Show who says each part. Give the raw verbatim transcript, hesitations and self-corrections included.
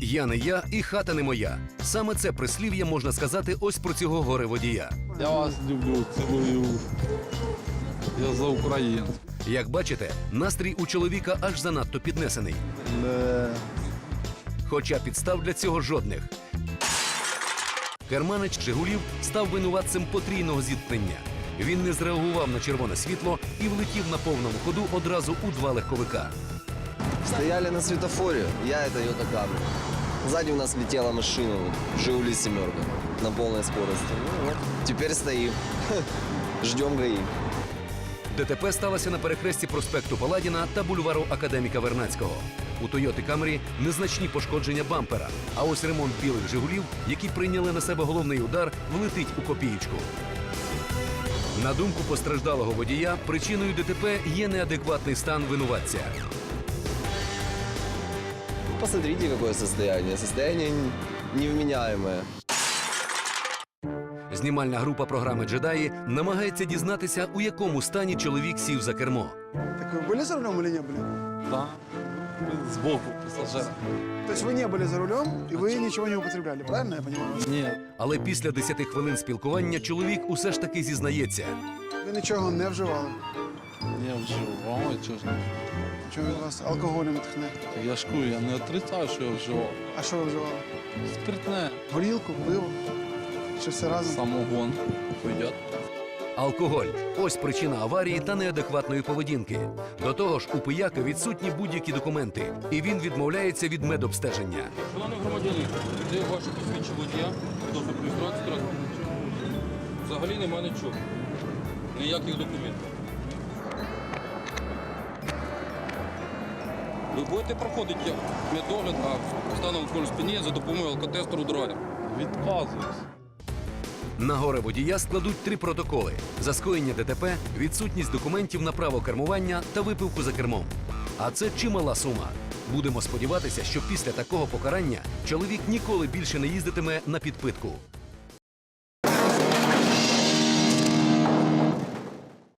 Speaker 1: Я не я і хата не моя. Саме це прислів'я можна сказати ось про цього горе-водія.
Speaker 2: Я вас люблю, цілую. Я за Україну.
Speaker 1: Як бачите, настрій у чоловіка аж занадто піднесений.
Speaker 2: Не.
Speaker 1: Хоча підстав для цього жодних. Керманич «Жигулів» став винуватцем потрійного зіткнення. Він не зреагував на червоне світло і влетів на повному ходу одразу у два легковика.
Speaker 3: Стояли на светофоре, я это Toyota Camry. Сзади у нас летела машина, вот, «Жигули семерка» на полной скорости. Ну вот, теперь стоим, ждем ГАИ.
Speaker 1: ДТП сталося на перехресті проспекту Паладіна та бульвару Академіка Вернадського. У «Тойоти Камрі» незначні пошкодження бампера, а ось ремонт білих «Жигулів», які прийняли на себе головний удар, влетить у копієчку. На думку постраждалого водія, причиною ДТП є неадекватний стан винуватця.
Speaker 3: Посмотрите, какое состояние. Состояние невменяемое.
Speaker 1: Знімальна група програми «Джедаї» намагається дізнатися, у якому стані чоловік сів за кермо.
Speaker 4: Так вы были за рулем или не были?
Speaker 2: Да. Сбоку пассажира.
Speaker 4: То есть вы не были за рулем, и вы ничего не употребляли, правильно я понимаю?
Speaker 2: Нет.
Speaker 1: Але після десяти хвилин спілкування чоловік усе ж таки зізнається.
Speaker 4: Ви нічого не вживали?
Speaker 2: Не вживав, чого ж не вживав.
Speaker 4: Чому від вас алкоголем тхне?
Speaker 2: Так я шкую, я не отрицаю, що я вживав.
Speaker 4: А що ви вживали?
Speaker 2: Спиртне.
Speaker 4: Горілку, пиво? Чи все разом?
Speaker 2: Самогон. Пойдет.
Speaker 1: Алкоголь – ось причина аварії та неадекватної поведінки. До того ж, у пияка відсутні будь-які документи, і він відмовляється від медобстеження.
Speaker 5: Шановний громадянин, де ваше посвідчення водія, хто реєстрацію транспорту? Взагалі нема нічого. Ніяких документів. Ви будете проходити медогляд на станом в спині за допомогою алкотестеру драйв.
Speaker 2: Відказуюсь.
Speaker 1: На горе водія складуть три протоколи – за скоєння ДТП, відсутність документів на право кермування та випивку за кермом. А це чимала сума. Будемо сподіватися, що після такого покарання чоловік ніколи більше не їздитиме на підпитку.